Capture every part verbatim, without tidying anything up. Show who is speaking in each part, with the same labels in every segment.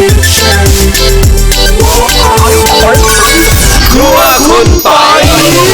Speaker 1: ครัวคุณปอย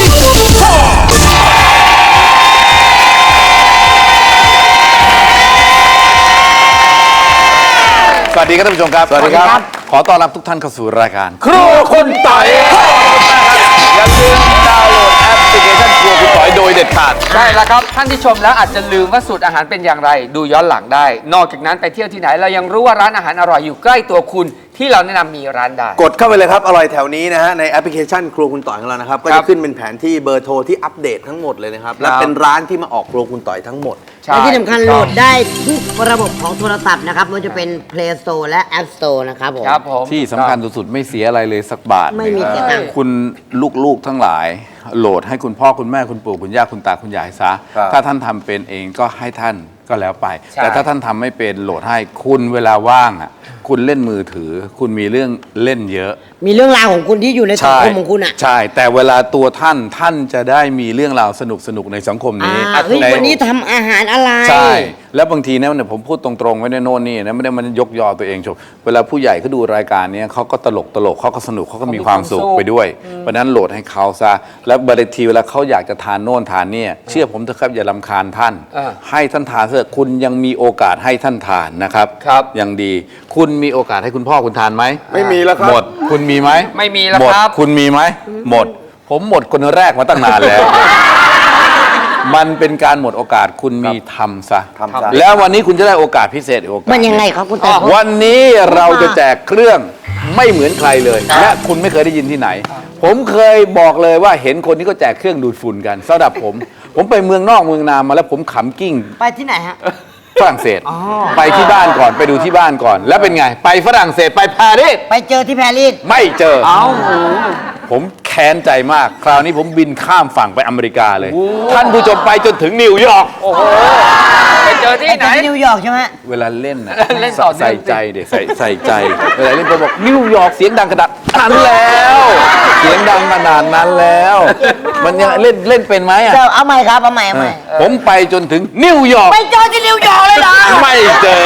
Speaker 1: สวัสดีครับท่านผู้ชมครับสวัสดีครับขอต้อนรับทุกท่านเข้าสู่รายการครัวคุณปอยอย่าลืมดาวน์โหลดแอปพลิเคชันครัวคุณปอยโดยเด็ดขาด
Speaker 2: ใช่แล้วครับท่านที่ชมแล้วอาจจะลืมว่าสูตรอาหารเป็นอย่างไรดูย้อนหลังได้นอกจากนั้นไปเที่ยวที่ไหนเรายังรู้ว่าร้านอาหารอร่อยอยู่ใกล้ตัวคุณที่เราแนะนำมีร้านใด
Speaker 3: กดเข้าไปเลยครับอร่อยแถวนี้นะฮะในแอปพลิเคชันครัวคุณต่อยของเรานะครับก็จะขึ้นเป็นแผนที่เบอร์โทรที่อัปเดตทั้งหมดเลยนะครับและเป็นร้านที่มาออกครัวคุณต่อยทั้งหมด
Speaker 4: และที่สำคัญโหลดได้ทุกระบบของโทรศัพท์นะครับมันจะเป็น Play Store และ App Store นะครับผม
Speaker 2: ครับผม
Speaker 1: ที่สำคัญสุดๆไม่เสียอะไรเลยสักบาท
Speaker 4: ไม่มีเสียตังค์
Speaker 1: คุณลูกๆทั้งหลายโหลดให้คุณพ่อคุณแม่คุณปู่คุณย่าคุณตาคุณยายซะถ้าท่านทำเป็นเองก็ให้ท่านก็แล้วไปแต่ถ้าท่านทำไม่เป็นโหลดให้คุณเวลาว่างอ่ะคุณเล่นมือถือคุณมีเรื่องเล่นเยอะ
Speaker 4: มีเรื่องราวของคุณที่อยู่ในสังคมของคุณอ่ะ
Speaker 1: ใช่แต่เวลาตัวท่านท่านจะได้มีเรื่องราวสนุกสนุกในสังคมนี้
Speaker 4: เฮ้ยวันนี้ทำอาหารอะไร
Speaker 1: ใช่แล้วบางทีนะผมพูดตรงๆไม่ได้โน่นนี่นะไม่ได้มันยกยอตัวเองชมเวลาผู้ใหญ่เขาดูรายการนี้เขาก็ตลกตลกเขาก็สนุกเขาก็มีความสุขไปด้วยเพราะนั้นโหลดให้เขาซะแล้วบางทีเวลาเขาอยากจะทานโน่นทานนี่เชื่อผมเถอะครับอย่ารำคาญท่านให้ท่านทานเถอะคุณยังมีโอกาสให้ท่านทานนะครับ
Speaker 2: ครับ
Speaker 1: ยังดีคุณมีโอกาสให้คุณพ่อคุณทานไหม
Speaker 3: ไม่มีแล้วครับ
Speaker 1: หมดคุณมีไหม
Speaker 2: ไม่มีแล้ว
Speaker 1: หมด
Speaker 2: ครับ
Speaker 1: คุณมีไหมหมดผมหมดคนแรกมาตั้งนานแล้วมันเป็นการหมดโอกาสคุณมีทำซะแล้ววันนี้คุณจะได้โอกาสพิเศษโอกาส
Speaker 4: มันยังไงครับคุณตา
Speaker 1: วันนี้เราจะแจกเครื่องไม่เหมือนใครเลยและคุณไม่เคยได้ยินที่ไหนผมเคยบอกเลยว่าเห็นคนที่เขาแจกเครื่องดูดฝุ่นกันสำหรับผมผมไปเมืองนอกเมืองนามาแล้วผมขำกิ้ง
Speaker 4: ไปที่ไหนฮะ
Speaker 1: ฝรั่งเศสไปที่บ้านก่อนไปดูที่บ้านก่อนแล้วเป็นไงไปฝรั่งเศสไปปารีส
Speaker 4: ไปเจอที่ปารีส
Speaker 1: ไม่เจอผมแค้นใจมากคราวนี้ผมบินข้ามฝั่งไปอเมริกาเลยท่านผู้ชมไปจนถึงนิวยอร์ก
Speaker 2: โอ้โหไปเจอที่ไหน
Speaker 4: นิวยอร์กใช่ไหม
Speaker 1: เวลาเล่นนะใส่ใจเด็กใส่ใส่ใจเวลาเล่นผมบอกนิวยอร์กเสียงดังขนาดนั้นแล้วเสียงดังขนาดนั้นแล้วมันยังเล่นเล่นเป็นไหมอ่ะ
Speaker 4: เอาใหม่ครับเอาใหม่เอาใหม่
Speaker 1: ผมไปจนถึงนิวยอร์ก
Speaker 4: ไปเจอที่นิวยอร์กเลยเหรอ
Speaker 1: ไม่เจอ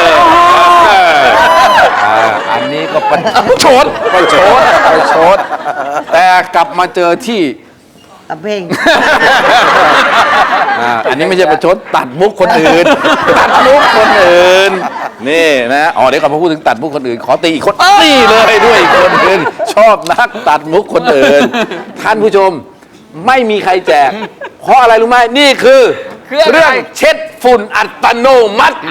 Speaker 1: อันนี้ก็ประชดประชดประชดแต่กลับมาเจอที่
Speaker 4: ตับเพลง
Speaker 1: อันนี้ไม่ใช่ประชดตัดมุกคนอื่นตัดมุกคนอื่นนี่นะอ๋อเดี๋ยวก่อนพอพูดถึงตัดมุกคนอื่นขอตีอีกคนตีเลยด้วยอีกคนอื่นชอบนักตัดมุกคนอื่นท่านผู้ชมไม่มีใครแจกเพราะอะไรรู้ไหมนี่คือเรื่องเช็ดฝุ่นอัตโนมัติ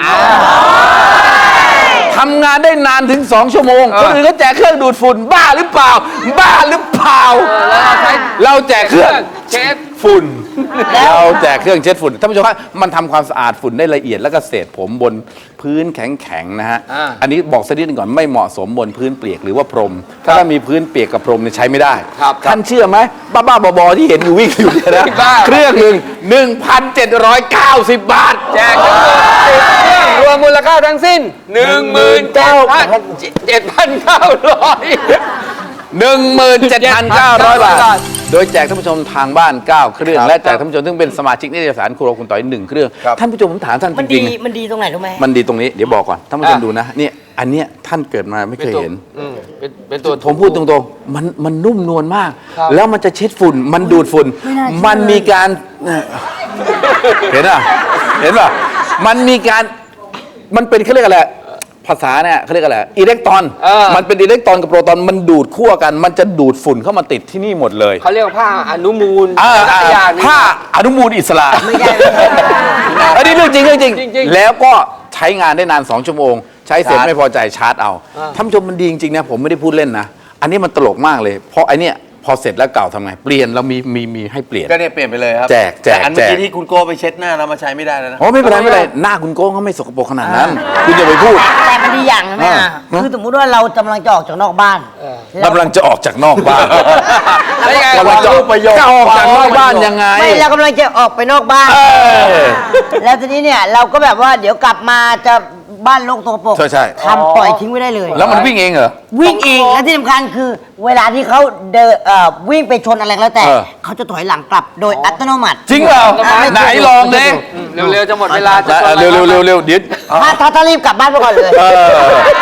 Speaker 1: ทำงานได้นานถึงสองชั่วโมงคนอื่นก็แจกเครื่องดูดฝุ่นบ้าหรือเปล่าบ้าหรือเปล่าเราแจกเครื่องเช็ดฝุ่นเราแจกเครื่องเช็ดฝุ่นท่านผู้ชมครับมันทำความสะอาดฝุ่นได้ละเอียดแล้วก็เศษผมบนพื้นแข็งๆนะฮะอันนี้บอกสักนิดนึงก่อนไม่เหมาะสมบนพื้นเปียกหรือว่าพรมถ้ามีพื้นเปียกกับพรมเนี่ยใช้ไม่ได้ท่านเชื่อไหมบ้าๆบอๆที่เห็นอยู่วิ่งอยู่เนี่ยนะเครื่องหนึ่งหนึ่งพันเจ็ดร้อยเก้าสิบบาท
Speaker 2: แจกทั้งหมดสิบเครื่องรวมมูลค่าทั้งสิ้นหนึ่งหมื่นเก้าพันเจ็ดพันเก้าร้อย
Speaker 1: หนึ่งหมื่นเจ็ดพันเก้าร้อยบาทโดยแจกท่านผู้ชมทางบ้านเก้าเครื่องและแจกท่านผู้ชมซึ่งเป็นสมาชิกนิตยสารครัวคุณต่อยหนึ่งเครื่องท่านผู้ชมผมถามท่านจริง
Speaker 4: ๆมันดีตรงไหนรู้ไหม
Speaker 1: มันดีตรงนี้เดี๋ยวบอกก่อนท่านผู้ชมดูนะนี่อันเนี้ยท่านเกิดมาไม่เคยเห็น
Speaker 2: เป็นตัว
Speaker 1: ผมพูดตรงๆมันมันนุ่มนวลมากแล้วมันจะเช็ดฝุ่นมันดูดฝุ่นมันมีการเห็นอ่ะเห็นป่ะมันมีการมันเป็นเขาเรียกอะไรภาษาเนี่ยเขาเรียกอะไรอิเล็กตรอนมันเป็นอิเล็กตรอนกับโปรตอนมันดูดคั่วกันมันจะดูดฝุ่นเข้ามาติดที่นี่หมดเลย
Speaker 2: เขาเรียกผ้าอนุมูล
Speaker 1: ผ้าอนุมูลอิสระไม่ใช่อันนี้เรื่องจริงเรื่องจริงแล้วก็ใช้งานได้นานสองชั่วโมงใช้เสร็จไม่พอใจชาร์จเอาท่านผู้ชมมันดีจริงๆนะผมไม่ได้พูดเล่นนะอันนี้มันตลกมากเลยเพราะไอเนี้ยพอเสร็จแล้วเก่าทำไงเปลี่ยนเรามีมีมีให้เปลี่ยน
Speaker 3: ก็เนี่ยเปลี่ยนไปเลยครับ
Speaker 1: แจกแจก
Speaker 3: อันเมื่อกี้ที่คุณโก้ไปเช็ดหน้าเรามาใช้ไม่ได้แล้วนะ
Speaker 1: โอ้ไม่เป็นไรไม่เป็นไรหน้าคุณโก้เขาไม่สกปรกขนาดนั้นคุณอย่าไปพูด
Speaker 4: แต่มันดีอย่างนะแม่คือสมมติว่าเรากำลังจะออกจากนอกบ้าน
Speaker 1: กำลังจะออกจากนอกบ้าน
Speaker 3: กำลังจะออก
Speaker 1: จากนอกบ้านยังไง
Speaker 4: ไม่เรากำลังจะออกไปนอกบ้านแล้วทีนี้เนี่ยเราก็แบบว่าเดี๋ยวกลับมาจะบ้านโลกตัวปก
Speaker 1: ใช่ใช่
Speaker 4: ทำปล่อยทิ้งไว้ได้เลย
Speaker 1: แล้วมันวิ่งเองเหรอ
Speaker 4: วิ่งเองและที่สำคัญคือเวลาที่เขาเดินวิ่งไปชนอะไรแล้วแต่เขาจะถอยหลังกลับโดยอัตโนมัติ
Speaker 1: จริงเปล่าไหนลองเลย
Speaker 2: เร็วๆจะหมดเวลาจะ
Speaker 1: เร็วเร็วเร็วเร็วเดี๋ยว
Speaker 4: ถ้าถ้ารีบกลับบ้านไปก่อนเลย
Speaker 1: นี่ท่านผู้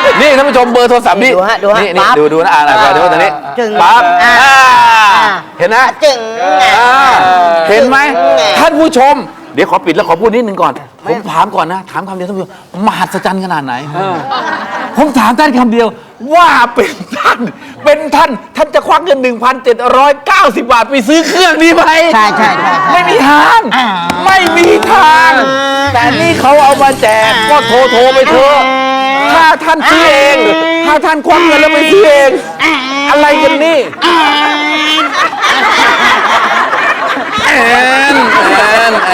Speaker 1: ผู้ชมเบอร์โทรศัพท์นี่
Speaker 4: ดูฮะดูฮะ
Speaker 1: นี่นี่
Speaker 4: ปั๊บ
Speaker 1: ดูดูนะอ่านอะไรดูตรงนี้
Speaker 4: จึง
Speaker 1: ปั๊บ
Speaker 4: อ่า
Speaker 1: อ่า
Speaker 4: อ่า
Speaker 1: เห็นนะ
Speaker 4: จึง
Speaker 1: อ่าเห็นไหม
Speaker 4: จึง
Speaker 1: ท่านผู้ชม เดี๋ยวขอปิดแล้วขอพูดนิดนึงก่อน ผมถามก่อนนะ ถามคำเดียวท่านผู้ชมมหัศจรรย์ขนาดไหน ผมถามท่านคำเดียวว่าเป็นท่าน เป็นท่าน ท่านจะควักเงิน หนึ่งพันเจ็ดร้อยเก้าสิบ บาทไปซื้อเครื่องนี้ไหม
Speaker 4: ใช่ใช่ใช่
Speaker 1: ไม่มีทาง
Speaker 4: อ่า
Speaker 1: ไม่มีทาง แต่นี่เขาเอามาแจกก็โทรโทรไปเถอะถ้าท่านซื้อเอง ถ้าท่านควักเงินแล้วไปซื้อเอง อะไรกันนี่แอนแอนแอน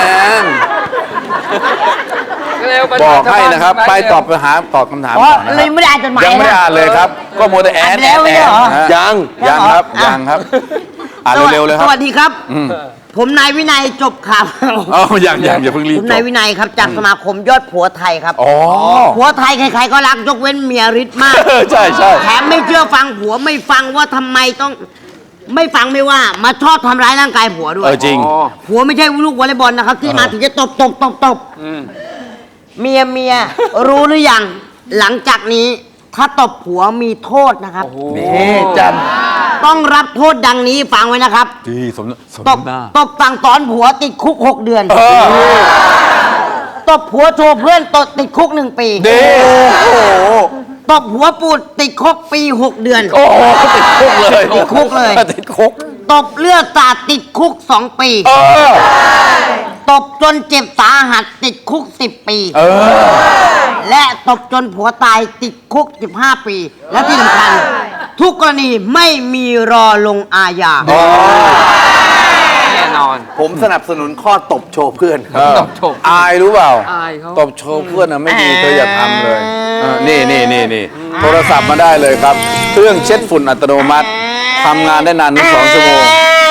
Speaker 2: เร็ว
Speaker 1: บอกให้นะครับ ไปตอบปัญหาตอบคำถาม
Speaker 4: อ๋อ
Speaker 1: ก่อนนะค
Speaker 4: เล
Speaker 1: รั
Speaker 4: ย
Speaker 1: บ
Speaker 4: ไม่ได้อ่านจดหมาย
Speaker 1: ยังไม่ได้อ่านเลยครับ ก็โมวแต่แอน
Speaker 4: อ่านแล้วไม่ใช่เหรอ
Speaker 1: ฮะ
Speaker 3: ยัง
Speaker 1: ยังครับ
Speaker 4: อ่ะ
Speaker 1: ยังครับ อ่านเร็วๆเลยค
Speaker 4: ส
Speaker 1: รับ
Speaker 4: วัสดีครับ ผมนายวินัยจบข่าว
Speaker 1: อ๋อยังยังอย่าเพิ่งรีบ
Speaker 4: ผม
Speaker 1: จ
Speaker 4: นาย
Speaker 1: บ
Speaker 4: วินัยครับจากสมาคมยอดผัวไทยครับ
Speaker 1: อ๋อ
Speaker 4: ผัวไทยใครๆก็รักยกเว้นเมียฤทธิ์มาก
Speaker 1: ใช่ใช่
Speaker 4: แถมไม่เชื่อฟังผัวไม่ฟังว่าทำไมต้อง ไม่ฟังไม่ว่ามาชอบทำร้ายร่างกายผัวด้ว
Speaker 1: เอย อจริง
Speaker 4: ผัวไม่ใช่ลูกวอลเลย์บอลนะครับ ที่มาถึงจะตบตบตบตบเมียเมียรู้หรือยังหลังจากนี้ถ้าตบผัวมีโทษนะครับ
Speaker 1: นี่จ
Speaker 4: ต้องรับโทษดังนี้ฟังไว้นะครับ
Speaker 1: ำดีสมสม
Speaker 4: ตบ
Speaker 1: หน้า
Speaker 4: ตบสั่งสอนผัวติดคุกหกเดือน
Speaker 1: เออ
Speaker 4: ตบผัวโชว์เพื่อนตดติดคุกหนึ่งปี
Speaker 1: ดีโอ้โห
Speaker 4: ตบหัวปูดติดคุกปีหกเดือน
Speaker 1: โอ้โหติดคุกเลย
Speaker 4: ติดคุกเลย
Speaker 1: ติดคุก
Speaker 4: ตบเลือดสาดติดคุกสองปี
Speaker 1: เออ
Speaker 4: ตบจนเจ็บสาหัสติดคุกสิบปี
Speaker 1: เออ
Speaker 4: และตบจนผัวตายติดคุกสิบห้าปี และที่สำคัญทุกกรณีไม่มีรอลงอาญา
Speaker 2: แน่นอน
Speaker 3: ผมสนับสนุนข้อตบโชว์เพื่อนครับ
Speaker 1: เออ
Speaker 2: ตบโชว์
Speaker 1: อายรู้เปล่า
Speaker 2: อายเขา
Speaker 1: ตบโชว์เพื่อนนะไม่ดีเธออย่าทำเลยเออนี่นี่นี่นี่โทรศัพท์มาได้เลยครับ เครื่องเช็ดฝุ่นอัตโนมัติทำงานได้นานถึงสองชั่วโมง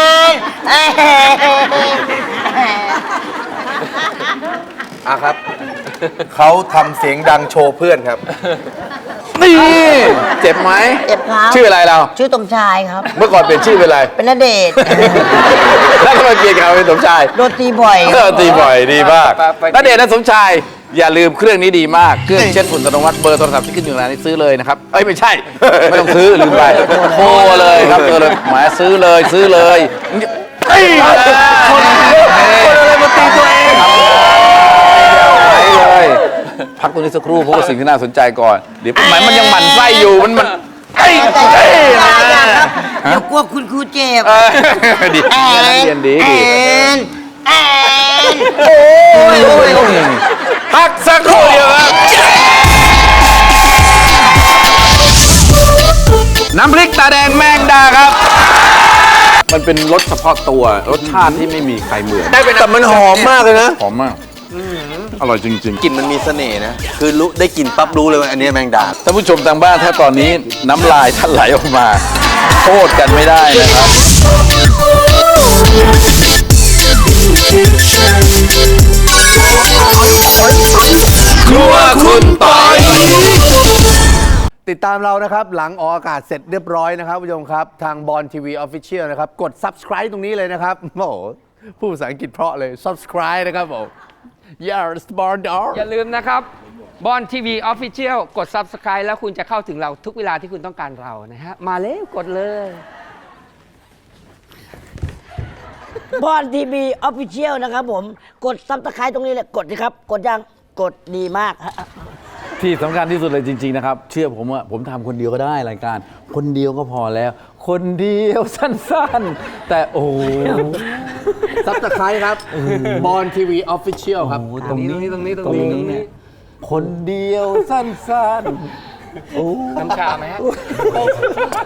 Speaker 3: อ่ะครับ เขาทำเสียงดังโชว์เพื่อนครับ
Speaker 1: นี่ เจ็บไหม
Speaker 4: เจ็บครับ
Speaker 1: ชื่ออะไรเรา
Speaker 4: ชื่อสมชายครับ
Speaker 1: เมื่อก่อนเปลี่ยนชื่อเป็นอะไร
Speaker 4: เป็นนเดชน์
Speaker 1: แล้วทำไมเปลี่ยนกันเป็นสมชาย
Speaker 4: โดนตีบ่อย
Speaker 1: เออตีบ่อยดีมาก
Speaker 2: ไปไป
Speaker 1: ณเดชน์และสมชาย อย่าลืมเครื่องนี้ดีมาก เครื่องเช็ดฝุ่นอัตโนมัติเบอร์โทรศัพท์ที่ขึ้นอยู่ในนี้ซื้อเลยนะครับ เอ้ย ไม่ใช่ ไม่ต้องซื้อ ลืมไปโทรเลยครับโทรเลยหมายซื้อเลยซื้อเลยเอ้ยคนอะไรมาตีตัวเองหายเลย พักตรงนี้สักครู่เพราะว่าสิ่งที่น่าสนใจก่อน เดี๋ยวหมายมันยังหมั่นไส้อยู่มันมันเอ้ยเอ้ย
Speaker 4: อย่า
Speaker 1: นะ
Speaker 4: อย่าครับเดี๋ยวกลัวคุณครูเจ็บ
Speaker 1: เออดี
Speaker 4: แอ
Speaker 1: เรียนดี
Speaker 4: แอ
Speaker 1: ดี
Speaker 4: นแอนโอ้ยโอ้ยโอ้ย
Speaker 1: พักสักครู่เดียวครับน้ำพริกตาแดงแมงดาครับ มันเป็นรสเฉพาะตัวรสชาติที่ไม่มีใครเหมือน
Speaker 3: แต่มันหอมมากเลยนะ
Speaker 1: หอมมากอร่อยจริง
Speaker 3: กลิ่นมันมีเสน่ห์นะ คือรู้ได้กลิ่นปั๊บรู้เลยว่าอันนี้แมงดา
Speaker 1: ๆท่านผู้ชมทางบ้านถ้าตอนนี้น้ำลายท่านไหลออกมา โทษกันไม่ได้นะครับครัวคุณต่อย
Speaker 3: ติดตามเรานะครับ หลังออกอากาศเสร็จเรียบร้อยนะครับผู้ชมครับ ทางบอลทีวีออฟฟิเชียลนะครับ กด subscribe ตรงนี้เลยนะครับ โอ้โหพูดภาษาอังกฤษเพราะเลย subscribe นะครับผม yes born dog
Speaker 2: อย่าลืมนะครับบอลทีวีออฟฟิเชียลกด Subscribe แล้วคุณจะเข้าถึงเราทุกเวลาที่คุณต้องการเรานะฮะ มาเลยกดเลย
Speaker 4: บอลทีวีออฟฟิเชียลนะครับผม กดซับสไครต์ตรงนี้เลย กดสิครับ กดยัง กดดีมากฮะ
Speaker 1: ที่สำคัญที่สุดเลยจริง ๆ นะครับ เชื่อผมว่าผมทำคนเดียวก็ได้รายการ คนเดียวก็พอแล้ว คนเดียวสั้นๆ แต่โอ้โห
Speaker 3: subscribe ครับบอลทีวีออฟฟิเชียลครับ
Speaker 1: ตรงนี้
Speaker 2: ตรงนี้ตรงนี้ตรงนี้
Speaker 1: เนี่ยคนเดียวสั้นๆ
Speaker 2: น้ำชาไหมฮะ